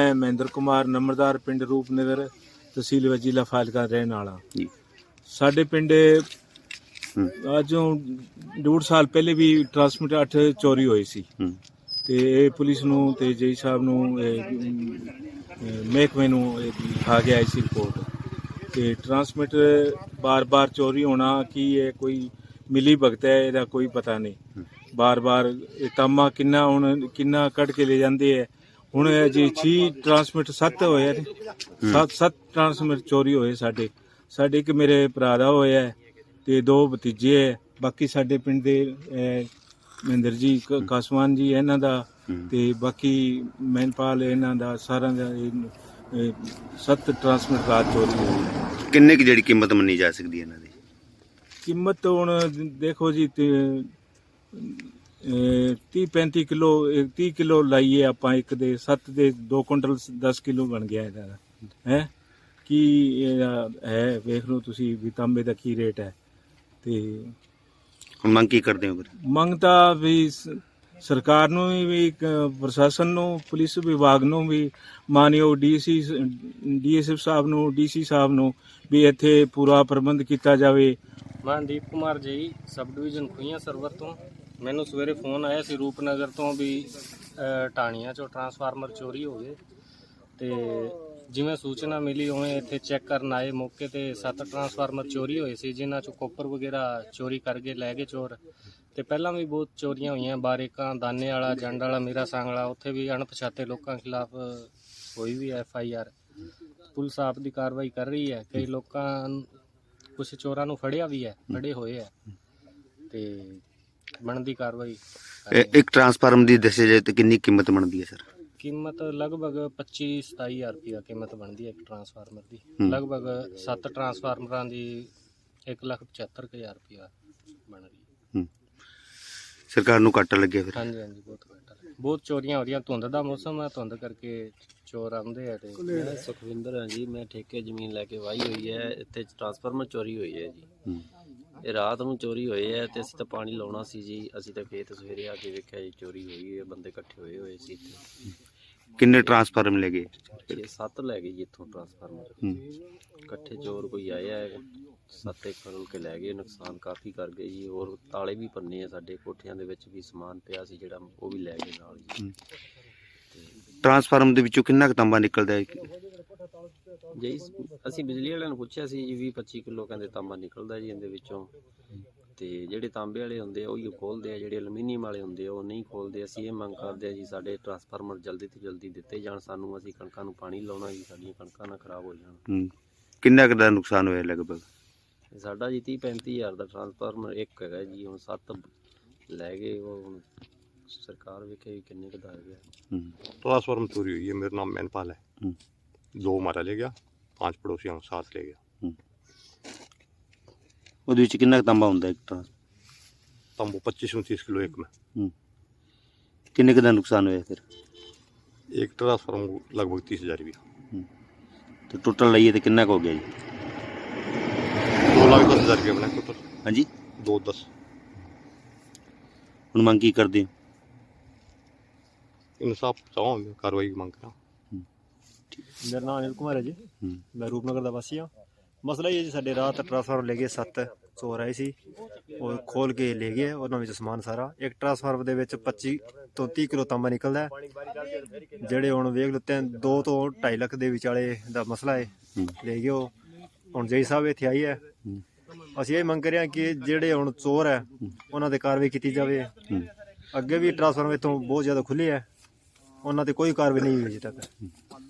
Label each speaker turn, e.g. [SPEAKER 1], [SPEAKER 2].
[SPEAKER 1] मैं महेंद्र कुमार नंबरदार पिंड रूपनगर तहसील जिला फाजिलका रहने वाला। साडे पिंड अजों 1.5 साल पहले भी ट्रांसमिटर 8 चोरी होई सी ते पुलिस नूं ते जी साहब नूं महकमे नूं लिखा के आई सी रिपोर्ट ते ट्रांसमिटर बार बार चोरी होना कि ये कोई मिली भगत है, ਇਹਦਾ कोई पता नहीं। बार बार तामा किन्ना कट के ले जाते है। ਹੁਣ ਜੀ 6 ट्रांसमिटर 7 ਹੋਏ ਨੇ, 7 ट्रांसमिटर चोरी ਹੋਏ ਸਾਡੇ ਇੱਕ ਮੇਰੇ ਭਰਾ ਦਾ ਹੋਇਆ ਤੇ 2 ਭਤੀਜੇ ਹੈ। ਬਾਕੀ ਸਾਡੇ ਪਿੰਡ ਦੇ ਮਹਿੰਦਰ ਜੀ ਕਾਸਵਾਨ ਜੀ ਇਹਨਾਂ ਦਾ ਤੇ ਬਾਕੀ ਮਹਿਨਪਾਲ ਇਹਨਾਂ ਦਾ ਸਾਰਿਆਂ ਦਾ 7 ट्रांसमिटर ਰਾਤ ਚੋਰੀ ਹੋਈ।
[SPEAKER 2] ਕਿੰਨੇ ਕੀ ਜਿਹੜੀ ਕੀਮਤ ਮੰਨੀ ਜਾ ਸਕਦੀ ਹੈ ਇਹਨਾਂ ਦੀ?
[SPEAKER 1] ਕੀਮਤ ਹੁਣ ਦੇਖੋ ਜੀ 30-35 ਕਿਲੋ 30 ਕਿਲੋ ਲਾਈਏ ਆਪਾਂ ਇੱਕ ਦੇ 7 ਦੇ 2 ਕੁਇੰਟਲ 10 ਕਿਲੋ ਬਣ ਗਿਆ ਇਹਦਾ ਹੈ। ਕੀ ਹੈ ਵੇਖ ਲਓ ਤੁਸੀਂ ਵੀ ਤਾਂਬੇ ਦਾ ਕੀ ਰੇਟ ਹੈ। ਤੇ
[SPEAKER 2] ਹੁਣ ਮੰਗ ਕੀ ਕਰਦੇ ਹੋ ਫਿਰ? ਮੰਗ
[SPEAKER 1] ਤਾਂ ਵੀ ਸਰਕਾਰ ਨੂੰ ਵੀ ਪ੍ਰਸ਼ਾਸਨ ਨੂੰ ਪੁਲਿਸ ਵਿਭਾਗ ਨੂੰ ਵੀ ਮਾਨਯੋਗ ਡੀਐਸਐਫ ਸਾਹਿਬ ਨੂੰ ਡੀਸੀ ਸਾਹਿਬ ਨੂੰ ਵੀ ਇੱਥੇ ਪੂਰਾ ਪ੍ਰਬੰਧ ਕੀਤਾ ਜਾਵੇ।
[SPEAKER 3] ਮਨਦੀਪ ਕੁਮਾਰ ਜੀ, ਸਬ ਡਿਵੀਜ਼ਨ ਖੁਈਆਂ ਸਰਵਰ ਤੋਂ। ਮੈਨੂੰ ਸਵੇਰੇ ਫੋਨ ਆਇਆ ਸੀ ਰੂਪਨਗਰ ਤੋਂ ਵੀ ਢਾਣੀਆਂ 'ਚੋਂ ਟਰਾਂਸਫਾਰਮਰ ਚੋਰੀ ਹੋ ਗਏ ਤੇ ਜਿਵੇਂ ਸੂਚਨਾ ਮਿਲੀ ਉਵੇਂ ਇੱਥੇ ਚੈੱਕ ਕਰਨ ਆਏ। ਮੌਕੇ ਤੇ 7 ਟਰਾਂਸਫਾਰਮਰ ਚੋਰੀ ਹੋਏ ਸੀ ਜਿਨ੍ਹਾਂ 'ਚੋਂ ਕੋਪਰ ਵਗੈਰਾ ਚੋਰੀ ਕਰਕੇ ਲੈ ਗਏ ਚੋਰ। ਤੇ ਪਹਿਲਾਂ ਵੀ ਬਹੁਤ ਚੋਰੀਆਂ ਹੋਈਆਂ, ਬਾਰੇਕਾਂ, ਦਾਨੇ ਵਾਲਾ, ਜੰਡ ਵਾਲਾ, ਮੀਰਾ ਸੰਗ ਵਾਲਾ, ਉੱਥੇ ਵੀ ਅਣਪਛਾਤੇ ਲੋਕਾਂ ਖਿਲਾਫ ਹੋਈ ਵੀ FIR। ਪੁਲਿਸ ਆਪ ਦੀ ਕਾਰਵਾਈ ਕਰ ਰਹੀ ਹੈ। ਕਈ ਲੋਕਾਂ ਕੁਛ ਚੋਰਾਂ ਨੂੰ ਫੜਿਆ ਵੀ ਹੈ, ਫੜੇ ਹੋਏ ਹੈ ਤੇ ਬਣਦੀ ਕਾਰਵਾਈ।
[SPEAKER 2] ਇੱਕ ਟਰਾਂਸਫਾਰਮਰ ਦੀ ਦੱਸਿਆ ਜਾਏ ਤਾਂ ਕਿੰਨੀ ਕੀਮਤ ਬਣਦੀ ਹੈ ਸਰ?
[SPEAKER 3] ਕੀਮਤ ਲਗਭਗ 25-27 ਹਜ਼ਾਰ ਰੁਪਇਆ ਕੀਮਤ ਬਣਦੀ ਹੈ ਇੱਕ ਟਰਾਂਸਫਾਰਮਰ ਦੀ। ਲਗਭਗ 7 ਟਰਾਂਸਫਾਰਮਰਾਂ ਦੀ 1,75,000 ਰੁਪਇਆ ਬਣ ਰਹੀ ਹੈ।
[SPEAKER 2] ਸਰਕਾਰ ਨੂੰ ਘਾਟਾ ਲੱਗਿਆ ਫਿਰ?
[SPEAKER 3] ਹਾਂਜੀ ਹਾਂਜੀ, ਬਹੁਤ ਘਾਟਾ। ਬਹੁਤ ਚੋਰੀਆਂ ਹੋ ਰਹੀਆਂ। ਧੁੰਦ ਦਾ ਮੌਸਮ ਹੈ, ਧੁੰਦ ਕਰਕੇ ਚੋਰ ਆਉਂਦੇ ਆ। ਤੇ
[SPEAKER 4] ਮੈਂ ਸੁਖਵਿੰਦਰ ਹਾਂ ਜੀ, ਮੈਂ ਠੇਕੇ ਜ਼ਮੀਨ ਲੈ ਕੇ ਵਾਹੀ ਹੋਈ ਹੈ। ਇੱਥੇ ਟਰਾਂਸਫਾਰਮਰ ਚੋਰੀ ਹੋਈ ਹੈ ਜੀ। ਇਹ ਰਾਤ ਨੂੰ ਚੋਰੀ ਹੋਏ ਹੈ ਤੇ ਅਸੀਂ ਤਾਂ ਪਾਣੀ ਲਾਉਣਾ ਸੀ ਜੀ। ਅਸੀਂ ਤਾਂ ਖੇਤ ਸਵੇਰੇ ਆ ਕੇ ਵੇਖਿਆ ਜੀ ਚੋਰੀ ਹੋਈ ਹੈ, ਬੰਦੇ ਇਕੱਠੇ ਹੋਏ ਸੀ ਇੱਥੇ।
[SPEAKER 2] ਕਿੰਨੇ ਟਰਾਂਸਫਾਰਮਰ ਲੈ ਗਏ?
[SPEAKER 4] 6-7 ਲੈ ਗਏ ਜੀ ਇੱਥੋਂ ਟਰਾਂਸਫਾਰਮਰ ਇਕੱਠੇ। ਚੋਰ ਕੋਈ ਆਇਆ 7 ਖੋਲ ਕੇ ਲੈ ਗਏ, ਨੁਕਸਾਨ ਕਾਫੀ ਕਰ ਗਏ ਜੀ। ਹੋਰ ਤਾਲੇ ਵੀ ਭੰਨੇ ਆ ਸਾਡੇ ਕੋਠਿਆਂ ਦੇ ਵਿੱਚ ਵੀ ਸਮਾਨ ਪਿਆ ਸੀ ਜਿਹੜਾ ਉਹ ਵੀ ਲੈ ਗਏ ਨਾਲ ਜੀ।
[SPEAKER 2] ਟਰਾਂਸਫਾਰਮਰ ਦੇ ਵਿੱਚੋਂ ਕਿੰਨਾ ਕੁ ਤਾਂਬਾ ਨਿਕਲਦਾ ਹੈ
[SPEAKER 4] ਜੀ? ਅਸੀਂ ਬਿਜਲੀ ਵਾਲਿਆਂ ਨੂੰ ਪੁੱਛਿਆ ਸੀ ਜੀ, 20-25 ਕਿਲੋ ਕਹਿੰਦੇ ਤਾਂਬਾ ਨਿਕਲਦਾ ਜੀ ਇਹਦੇ ਵਿੱਚੋਂ। ਤੇ ਜਿਹੜੇ ਤਾਂਬੇ ਵਾਲੇ ਹੁੰਦੇ ਆ ਉਹੀ ਖੋਲਦੇ ਆ, ਜਿਹੜੇ ਐਲੂਮੀਨੀਅਮ ਵਾਲੇ ਹੁੰਦੇ ਆ ਉਹ ਨਹੀਂ ਖੋਲਦੇ। ਅਸੀਂ ਇਹ ਮੰਗ ਕਰਦੇ ਆ ਜੀ ਸਾਡੇ ਟਰਾਂਸਫਾਰਮਰ ਜਲਦੀ ਤੋਂ ਜਲਦੀ ਦਿੱਤੇ ਜਾਣ ਸਾਨੂੰ। ਅਸੀਂ ਕਣਕਾਂ ਨੂੰ ਪਾਣੀ ਲਾਉਣਾ ਜੀ, ਸਾਡੀਆਂ ਕਣਕਾਂ ਨਾ ਖਰਾਬ ਹੋ ਜਾਣ।
[SPEAKER 2] ਕਿੰਨਾ ਕੁ ਦਾ ਨੁਕਸਾਨ ਹੋਇਆ ਲਗਭਗ?
[SPEAKER 4] ਸਾਡਾ ਜੀ 30-35 ਹਜ਼ਾਰ ਦਾ ਟਰਾਂਸਫਾਰਮਰ ਇੱਕ ਹੈਗਾ ਜੀ। ਹੁਣ 7 ਲੈ ਗਏ, ਉਹ ਹੁਣ ਸਰਕਾਰ ਵੇਖੇ ਵੀ ਕਿੰਨੇ ਕੁ ਦਾ ਹੈਗਾ।
[SPEAKER 5] ट्रांसफार्मर चोरी हुई है। मेरा नाम मैनपाल है। 2 हमारा ले गया, 5 पड़ोसियों को साथ ले गया।
[SPEAKER 2] ਉਹਦੇ ਵਿੱਚ ਕਿੰਨਾ ਕੁ ਤਾਂਬਾ ਹੁੰਦਾ ਇੱਕ ਟਰਾਂਸਫਾਰਮਰ?
[SPEAKER 5] तंबू 25-29 किलो एक में।
[SPEAKER 2] ਕਿੰਨੇ ਕੁ ਦਾ ਨੁਕਸਾਨ ਹੋਇਆ ਫਿਰ?
[SPEAKER 5] एक ट्रांसफार्मर लगभग 30,000 रुपया।
[SPEAKER 2] ਤੇ ਟੋਟਲ ਲਈਏ ਤੇ ਕਿੰਨਾ ਕੁ ਹੋ ਗਿਆ ਜੀ?
[SPEAKER 5] 2,10,000 रुपया बना टोटल।
[SPEAKER 2] ਹਾਂਜੀ,
[SPEAKER 5] 2,10।
[SPEAKER 2] ਹੁਣ ਮੰਗ ਕੀ ਕਰਦੇ ਹੋ?
[SPEAKER 5] इंसाफ चाहो, कार्रवाई की मांग करा।
[SPEAKER 6] ਮੇਰਾ ਨਾਮ ਅਨਿਲ ਕੁਮਾਰ ਹੈ ਜੀ। ਮੈਂ ਰੂਪਨਗਰ ਦਾ ਵਾਸੀ ਹਾਂ। ਮਸਲਾ ਇਹ ਹੈ ਜੀ, ਸਾਡੇ ਰਾਤ ਟਰਾਂਸਫਾਰਮਰ ਲੈ ਗਏ 7 ਚੋਰ ਆਏ ਸੀ, ਉਹ ਖੋਲ ਕੇ ਲੈ ਗਏ। ਉਹਨਾਂ ਵਿੱਚ ਸਮਾਨ ਸਾਰਾ, ਇੱਕ ਟਰਾਂਸਫਾਰਮਰ ਦੇ ਵਿੱਚ 25 ਤੋਂ 30 ਕਿਲੋ ਤਾਂਬਾ ਨਿਕਲਦਾ ਹੈ। ਜਿਹੜੇ ਹੁਣ ਵੇਖ ਲਓ 2 ਤੋਂ 2.5 ਲੱਖ ਦੇ ਵਿਚਾਲੇ ਦਾ ਮਸਲਾ ਹੈ, ਲੈ ਗਏ ਉਹ। ਹੁਣ ਜੈ ਸਾਹਿਬ ਇੱਥੇ ਆਈ ਹੈ। ਅਸੀਂ ਇਹ ਮੰਗ ਕਰ ਰਹੇ ਹਾਂ ਕਿ ਜਿਹੜੇ ਹੁਣ ਚੋਰ ਹੈ ਉਹਨਾਂ ਤੇ ਕਾਰਵਾਈ ਕੀਤੀ ਜਾਵੇ। ਅੱਗੇ ਵੀ ਟਰਾਂਸਫਾਰਮਰ ਇੱਥੋਂ ਬਹੁਤ ਜ਼ਿਆਦਾ ਖੁੱਲੇ ਹੈ, ਉਹਨਾਂ ਤੇ ਕੋਈ ਕਾਰਵਾਈ ਨਹੀਂ ਹੋਈ ਅਜੇ ਤੱਕ।